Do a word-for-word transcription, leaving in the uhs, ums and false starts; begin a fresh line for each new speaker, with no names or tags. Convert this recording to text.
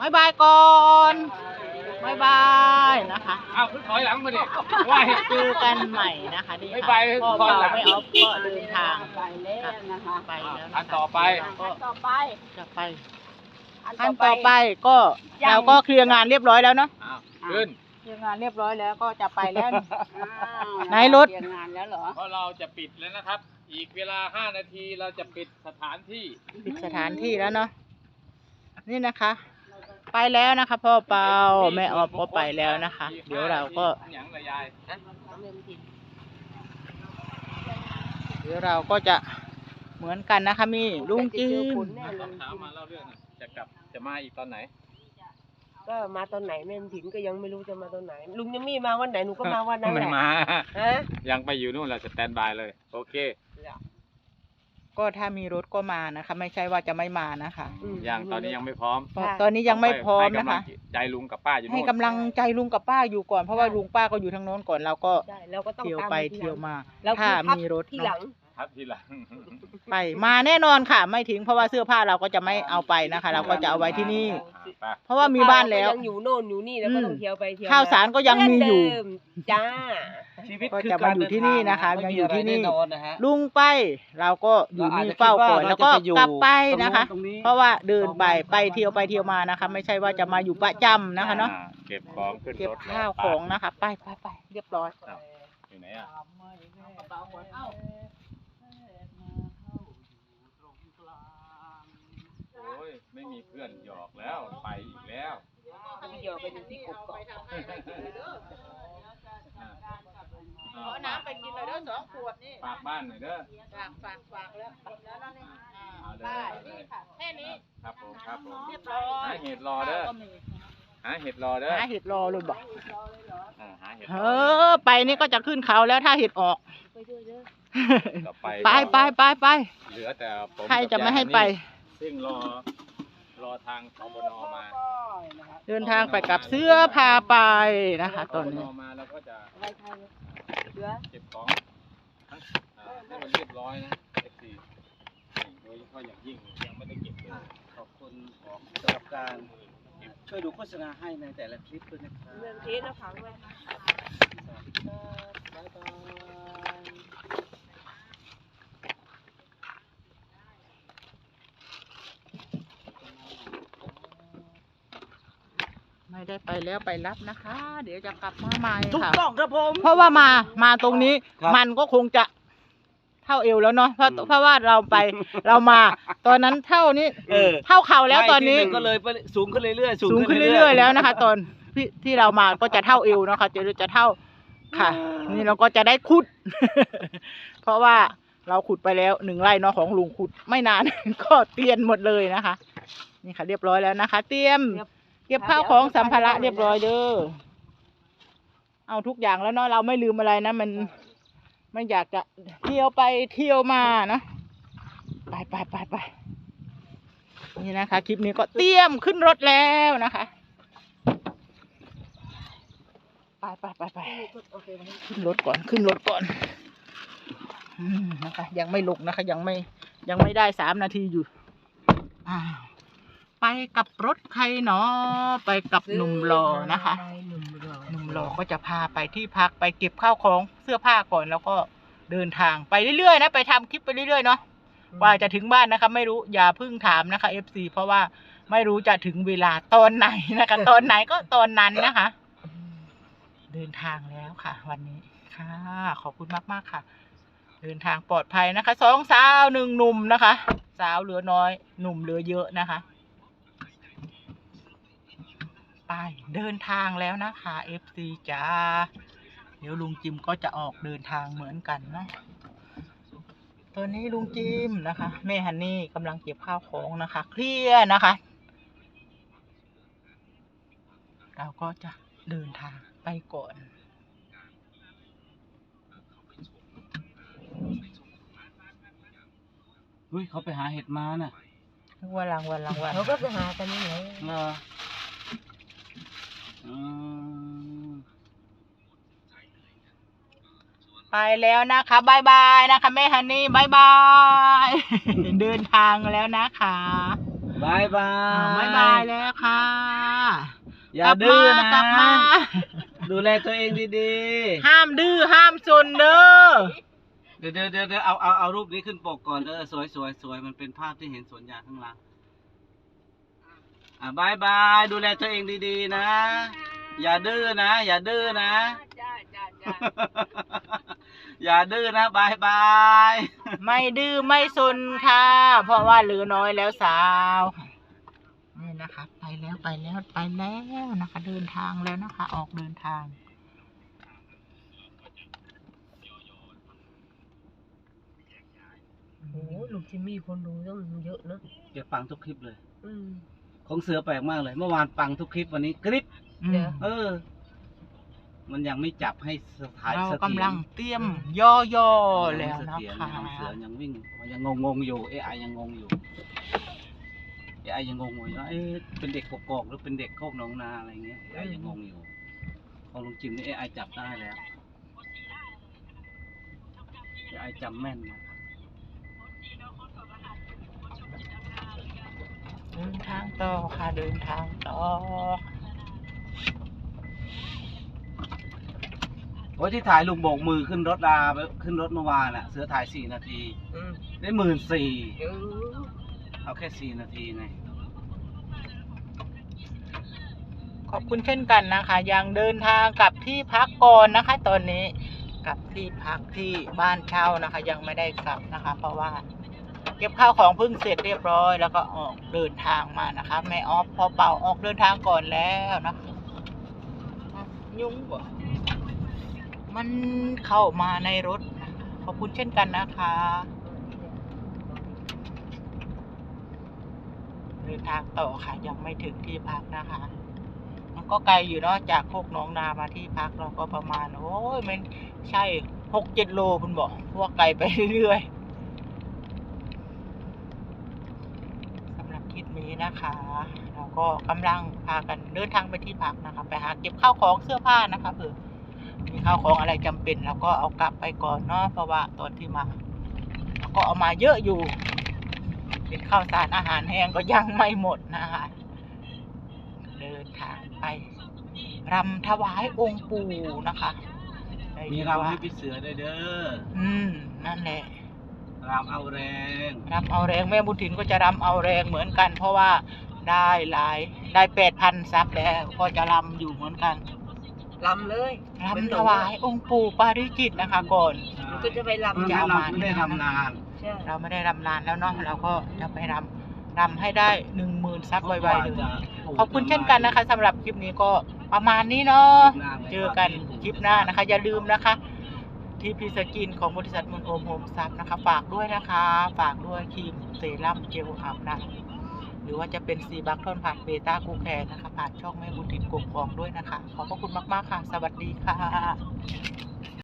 บายบายก่อนบายบายนะคะ
เอาถอยหลังมาดิว่า
เจอกันใหม่นะคะนี่ค่ะพ่อเปาไม่ออฟก็เดินทางไปแล้วนะคะไปแล้ว
อันต่อไป
ก็จะไปอันต่อไปก็เราก็เคลียร์งานเรียบร้อยแล้วเนาะ
ขึ้น
เคลียร์งานเรียบร้อยแล้วก็จะไปแล้วไหนรถเคลียร์งานแล้วเหรอ
เพราะเราจะปิดแล้วนะครับอีกเวลาห้านาทีเราจะปิดสถานที่
ปิดสถานที่แล้วเนาะนี่นะคะไปแล้วนะคะพ่อเปาแม่ออฟก็ไปแล้วนะคะเดี๋ยวเราก็เดี๋ยวเราก็จะเหมือนกันนะคะมีลุงจิม
ถามมาเล่าเรื่องจะกลับจะมาอีกตอนไหน
ก็มาตอนไหนแม่ถิ่นก็ยังไม่รู้จะมาตอนไหนลุงยังมีมาวันไหนหนูก็มาวันนั้นแหละ
ไม่มายังไปอยู่นู่นแหละสแตนบายเลยโอเค
ก็ถ้ามีรถก็มานะคะไม่ใช่ว่าจะไม่มานะคะ
ยังตอนนี้ยังไม่พร้อม
ตอนนี้ยังไม่พร้อมนะคะ
ใจลุงกับป้าอยู่
ให้กำลังใจลุงกับป้าอยู่ก่อนเพราะว่าลุงป้าก็อยู่ทางโน้นก่อนเราก็เที่ยวไปเที่ยวมาถ้ามีรถ
ที่หลัง
ทับทีหลัง
ไปมาแน่นอนค่ะไม่ทิ้งเพราะว่าเสื้อผ้าเราก็จะไม่เอาไปนะคะเราก็จะเอาไว้ที่นี่เพราะว่ามีบ้านแล้ว
ยังอยู่โน่นอยู่นี่แล้วก็ต้องเที่ยวไปเที่ยว
ข้าวสารก็ยังมีอยู่
จ้า
ชีวิตก็จะมาอยู่ที่นี่นะคะยังอยู่ที่นี่ลุงไปเราก็อยู่นี่เฝ้าก่อนแล้วก็กลับไปนะคะเพราะว่าเดินไปไปเที่ยวไปเที่ยวมานะคะไม่ใช่ว่าจะมาอยู่ประจำนะคะเนาะ
เก็บของขึ้นรถ
เก็บข้าวของนะคะไปไปไปเรียบร้อย
อยู่ไหนอ่ะโอ้ยไม่มีเพื่อนหยอกแล้วไปอีกแล้ว
หยอกไปดูที่กบก่อน
ขอน้ำไปกินหน่อยเด้อสองขวดนี่
ฝากบ้านหน่อยเด้อ
ฝากฝากฝากแล้วแล้วนั่นนี่ได้นี่ค่ะแค่นี้
ครับผมครับผม
เรียบร้อย
หาเห็ดรอเด้อหาเห็ดรอเด้อ
หาเห็ดรอเลยบอกเออไปนี่ก็จะขึ้นเขาแล้วถ้าเห็ดออกไปไปไปไป
เหลือแต่ผม
ใครจะไม่ให้ไป
ซึ่งรอรอทางสบน.มา
เดินทางไปกับเสื้อพาไปนะคะตอนนี้
มาแล้วก็จะเก็บของทั้งให้มันเรียบร้อยนะเอฟซีโดยเฉพาะอย่างยิ่งยังไม่ได้เก็บเลย
ขอบคุณของสำหรับการช่วยดูโฆษณาให้ในแต่ละคลิปด้วยนะครับ
เรื่องเทสนะคะด้วย
บ๊ายบาย
ไม่ได้ไปแล้วไปรับนะคะเดี๋ยวจะกลับมาใหม่ค่ะ
ถูกต้องครับผม
เพราะว่ามามาตรงนี้มันก็คงจะเท่าเอวแล้วเนาะเพราะเพราะว่าเราไปเรามาตอนนั้นเท่านี้เท่าเข่าแล้วตอนนี้
ก็เลยสูงขึ้นเรื่อยๆ
สูงขึ้นเรื่อยๆแล้วนะคะตอนที่ที่เรามาก็จะเท่าเอวนะคะจะจะเท่าค่ะนี่เราก็จะได้ขุดเพราะว่าเราขุดไปแล้วหนึ่งไร่เนาะของลุงขุดไม่นานก็เตียนหมดเลยนะคะนี่ค่ะเรียบร้อยแล้วนะคะเตรียมเก็บข้าวของสัมภาระเรียบร้อยเด้อเอาทุกอย่างแล้วเนาะเราไม่ลืมอะไรนะมันไม่อยากจะเที่ยวไปเที่ยวมาเนาะไปไปไปไปนี่นะคะคลิปนี้ก็เตรียมขึ้นรถแล้วนะคะไปไปไปไปขึ้นรถก่อนขึ้นรถก่อนนะคะยังไม่ลงนะคะยังไม่ยังไม่ได้สามนาทีอยู่อ้าวไปกับรถใครเนาะไปกับหนุ่มหล่อนะคะหนุ่มหล่อก็จะพาไปที่พักไปเก็บข้าวของเสื้อผ้าก่อนแล้วก็เดินทางไปเรื่อยๆนะไปทำคลิปไปเรื่อยๆเนาะกว่าจะถึงบ้านนะคะไม่รู้อย่าเพิ่งถามนะคะ เอฟ ซี เพราะว่าไม่รู้จะถึงเวลาตอนไหนนะคะตอนไหนก็ตอนนั้นนะคะเดินทางแล้วค่ะวันนี้ค่ะขอบคุณมากๆค่ะเดินทางปลอดภัยนะคะสองสาวหนึ่งหนุ่มนะคะสาวเหลือน้อยหนุ่มเหลือเยอะนะคะไปเดินทางแล้วนะคะ เอฟ ซี จ้าเดี๋ยวลุงจิมก็จะออกเดินทางเหมือนกันเนาะตอนนี้ลุงจิมนะคะแม่ฮันนี่กำลังเก็บข้าวของนะคะเคลียร์นะคะเราก็จะเดินทางไปก่อน
เฮ้ยเขาไปหาเห็ดมาน่ะ
วันรางวันรางวัน
เขาก็ไปหากันนี่ไง
เออ
ไปแล้วนะคะบายบายนะคะแม่ฮันนี่บายบาย เดินทางแล้วนะคะ
บายบา
อ่าย บ๊ายบายแล้วค่ะ
อย่าดื้อนะ
กลับมา
ดูแลตัวเองดี
ห้ามดื้อห้ามซนเด้อ
ๆ เดี๋ยวเดี๋ยวเดี๋ยวเดี๋ยวเอาเอาเอารูปนี้ขึ้นปกก่อนเออสวยสวยสวยมันเป็นภาพที่เห็นสวนยางข้างหล่างอ่ะบายบายดูแลตัวเองดีๆนะ อย่าดื้อนะ อย่าดื้อนะ
จ้าจ้าจ้า
อย่าดื้อนะบายบาย
ไม่ดื้อไม่ซนค่ะ เพราะว่าเหลือน้อยแล้วสาวนี่นะคะ ไปแล้วไปแล้วไปแล้วนะคะ เดินทางแล้วนะคะ ออกเดินทาง
โอ้ลุงจิมมี่คนดูต้องเยอะนะ
เก็บปังทุกคลิปเลย
อืม
ของเสือแปลกมากเลย เมื่อวานปังทุกคลิปวันนี้กริป
อืม
เดี๋ยว
เออ มันยังไม่จับให้สถาน
เรา
เสถียร
กำลังเตรียมย่อย่อๆแล้ว
เส
นะ
ถียร
คะ
ยังเสือยังวิ่งยังงงงๆอยู่เอไอยังงงอยู่เอไอยังงงอยู่ว่าเอ๊ะเป็นเด็กกกอกหรือเป็นเด็กโคกหนองนาอะไรเงี้ยเอไอยังงงอยู่ของลุงจิมนี่เอไอจับได้แล้วเอไอจำแม่นนะ
เดินทางต่อค่ะเดินทางต่อ
โอ้ยที่ถ่ายลุงโบกมือขึ้นรถลาไปขึ้นรถเมื่อวานอะเสือถ่ายสี่นาที
อืม
ได้หมื่นสี่
เออ
เอาแค่สี่นาทีไง
ขอบคุณเช่นกันนะคะ ยังเดินทางกลับที่พักก่อนนะคะ ตอนนี้กลับที่พักที่บ้านเช่านะคะ ยังไม่ได้กลับนะคะ เพราะว่าเก็บข้าวของเพิ่งเสร็จเรียบร้อย แล้วก็ออกเดินทางมานะคะแม่ออฟพอเป่าออกเดินทางก่อนแล้วนะคะยุ่งกว่ามันเข้ามาในรถนะคะขอบคุณเช่นกันนะคะ เดินทางต่อค่ะยังไม่ถึงที่พักนะคะ มันก็ไกลอยู่เนาะจากโคกหนองนามาที่พักเราก็ประมาณ โอ้ยมันใช่หกเจ็ดโลคุณบอกพวกไกลไปเรื่อยๆสำหรับคลิปนี้นะคะ เราก็กำลังพากันเดินทางไปที่พักนะคะ ไปหาเก็บข้าวของเสื้อผ้านะคะเผื่อมีข้าวของอะไรจำเป็นเราก็เอากลับไปก่อนเนาะเพราะว่าตอนที่มาเราก็เอามาเยอะอยู่ เป็นข้าวสารอาหารแห้งก็ยังไม่หมดนะคะ เดินทางไปรำถวายองค์ปู่นะคะได้
มี
ยิน
รำ
ว่า
ให้พี่เสือได้วยเด้อ
อืมนั่นแหละ
รำเอาแรง
รำเอาแรงแม่บุญถินก็จะรำเอาแรงเหมือนกัน เพราะว่าได้หลายได้แปดพันซับแล้วก็จะรำอยู่เหมือนกัน
ลำเลย
รำถวายองค์ปู่ปาริจิตนะคะ ก่อน
มันก็จะไป
เพิ่ง
ลำ
จะ
ยาว
เอา
เรา
มา
ไม่ได้ทำนาน
ใช่
เราไม่ได้รำนานแล้วเนาะเราก็จะไปรำรำให้ได้หนึ่งหมื่นซับไวๆเลยขอบคุณเช่นกันนะคะสำหรับคลิปนี้ก็ประมาณนี้เนาะเจอกันคลิปหน้านะคะ อย่าลืมนะคะ ทีพีสกินของบริษัทมุนโอมโฮมซับนะคะ ฝากด้วยนะคะ ฝากด้วยครีมเซรั่มเจลอาบน้ำหรือว่าจะเป็นซีบัคทอนผ่านเบต้ากูแคร์นะคะ ผ่านช่องแม่บุญถินกบกองด้วยนะคะ ขอบพระคุณมากๆค่ะ สวัสดีค่ะ